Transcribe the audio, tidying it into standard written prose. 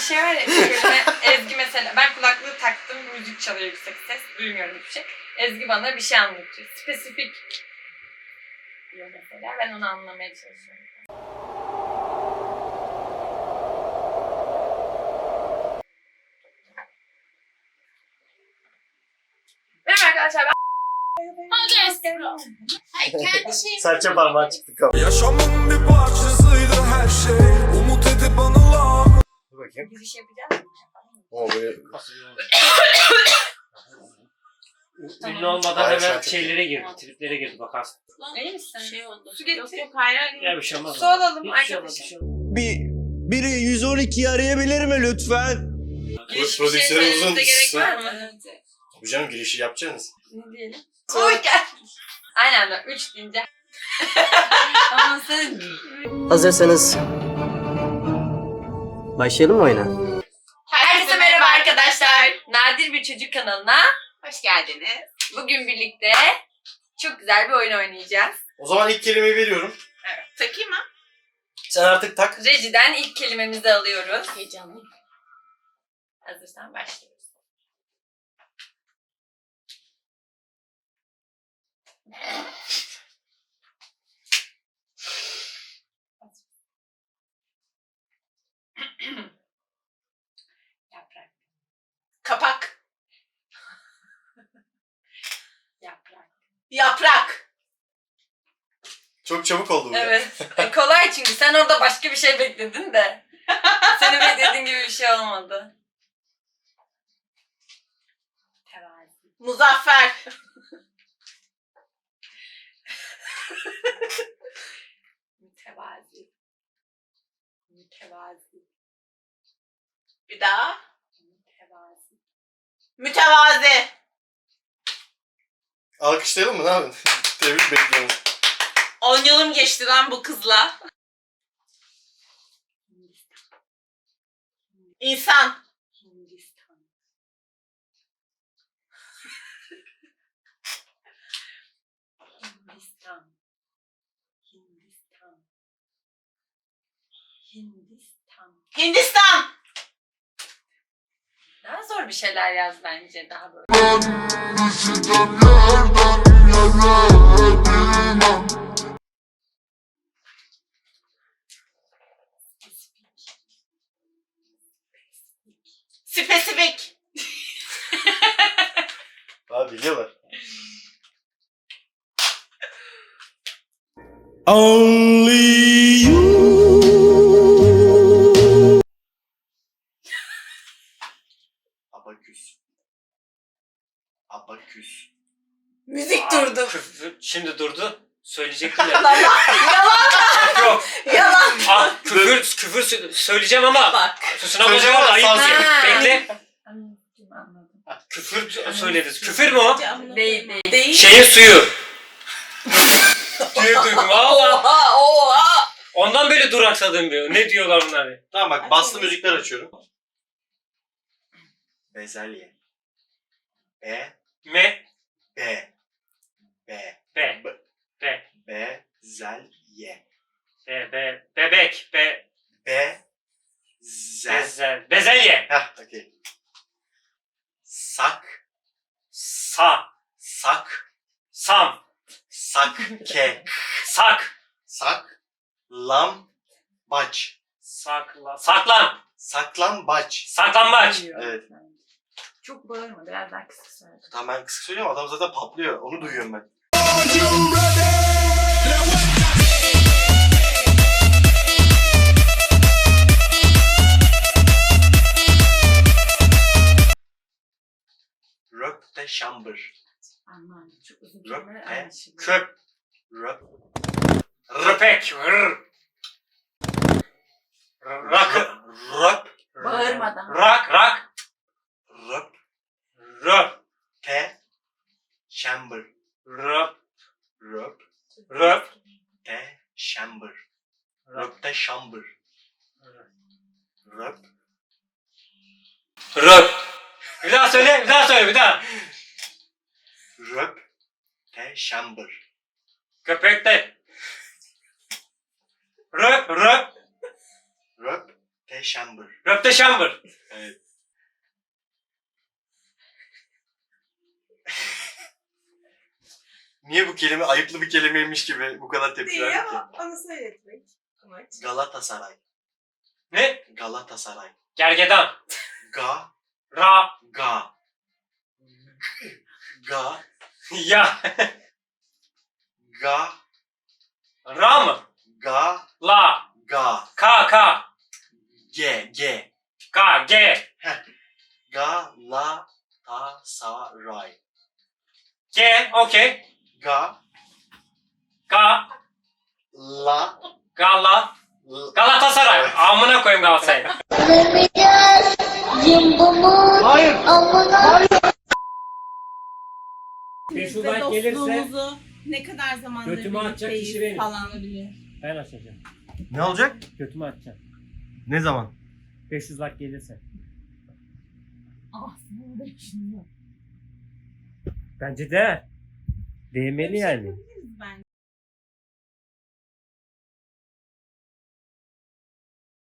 şey var ya, kelime, Ezgi mesela, ben kulaklığı taktım, müzik çalıyor yüksek ses, duymuyorum hiçbir şey. Ezgi bana bir şey anlatıyor. Spesifik diyor mesela, ben onu anlamaya çalışıyorum. Merhaba arkadaşlar, ben... Serçe parmağı çıktı kapı. Yaşamın bir parçasıydı her şey. Umut edip anılar. Dur bakayım. Giriş yapacağız mı? O böyle... Ünlü olmadan Hayır, hemen şarkı şeylere girdi, triplere girdi bakarsın. İyi misin? Şey oldu. Su getir. Yok hayır hayır. Ya bir şey olmaz. Su alalım Hiçbir şey olmaz, arkadaşım. bir şey olmaz. Biri 112'yi arayabilir mi lütfen? Giriş bir şey Prodüksiyonu söylememize uzun. gerek var mı? Bu canım girişi yapacaksınız. Ne diyelim? Hoş geldin. Aynı anda 3 deyince. Ama sen... Hazırsanız başlayalım mı oyuna? Herkese merhaba arkadaşlar. Nadir bir Çocuk kanalına Hoş geldiniz. bugün birlikte çok güzel bir oyun oynayacağız. O zaman ilk kelimeyi veriyorum. Evet. Takayım mı? Sen artık tak. Rejiden ilk kelimemizi alıyoruz. Heyecanlıyım. Hazırsan başlıyoruz. Yaprak. Kapak. Yaprak. Yaprak. Çok çabuk oldu bu. Evet. Kolay çünkü sen orada başka bir şey bekledin de. Senin beklediğin gibi bir şey olmadı. Tevazi. Muzaffer. Mütevazi. Mütevazi. Bir daha. Mütevazi. Mütevazi. Alkışlayalım mı? Ne yapın? Tebrik bekliyoruz. 10 yılım geçti lan bu kızla. İnsan. Hindistan. Hindistan. Hindistan. Hindistan. Hindistan. Daha zor bir şeyler yaz bence, daha böyle. Spesifik. Abi biliyorlar. Only you. Abaküs. Abaküs. Müzik durdu. Şimdi durdu. Söyleyecektim ya. Yalan. Yok. Yalan. Ah, küfür söyleyeceğim ama Bak. sunamacağım ama ayıp. Ha. Bekle. Anladım. Küfür söyledi. Küfür mü o? Değil değil. Değil. Şehir suyu. diye duydum. Valla. Oha oha. Ondan böyle duraksadım diyor. Ne diyorlar bunlar? Tamam bak baslı müzikler açıyorum. Bezelye. B. Me. B. B. Be. Be. Bezelye. Bebek. Bezelye. Heh, okey. Sak. Sak. Sakke. Sak. Lam. Baç. Saklan. Saklambaç. Saklambaç. Evet. Çok bağırma, biraz daha kısık söyle. Tamam ben kısık söylüyorum, adam zaten patlıyor. Onu duyuyorum ben. Röpte şambır. Anladım. Çok uzun Röp, kelimeler he, anlaşılıyor. Köp. Röp. Röpek. Rak. Röp. Bağırmadan. Rak. Röp. Röp. Te. Şambır. Röp. Röp. Röp. Te. Şambır. Röpte şambır. Röp. Röp. Bir daha söyle, bir daha. Röp. Te şambır. Köpekte. Röp. Röp. Te Röpteşambır. Röpteşambır. Evet. Niye bu kelime ayıplı bir kelimeymiş gibi bu kadar tepki Değil verdik ki? ama onu söyletmek amaç. Galatasaray. Ne? Galatasaray. Gergedan. Ga. Ra. Ga. Ga. Ya. Ga. Ra mı? Ga. La. Ga. Ka. Ka. G. G. Ka. Ge. Galatasaray. Ge. Okey. Ga. Ga. La. Gala. Galatasaray. Amına koyayım Galatasaray'ı. Beş Ve Şubat gelirse dostluğumuzu ne kadar zamandır götümü atacak birlikteyiz kişi benim. falan. ben açacağım. Ne olacak? Götümü atacağım. Ne zaman? 500 like gelirse. Bence değer. Değmeli yani.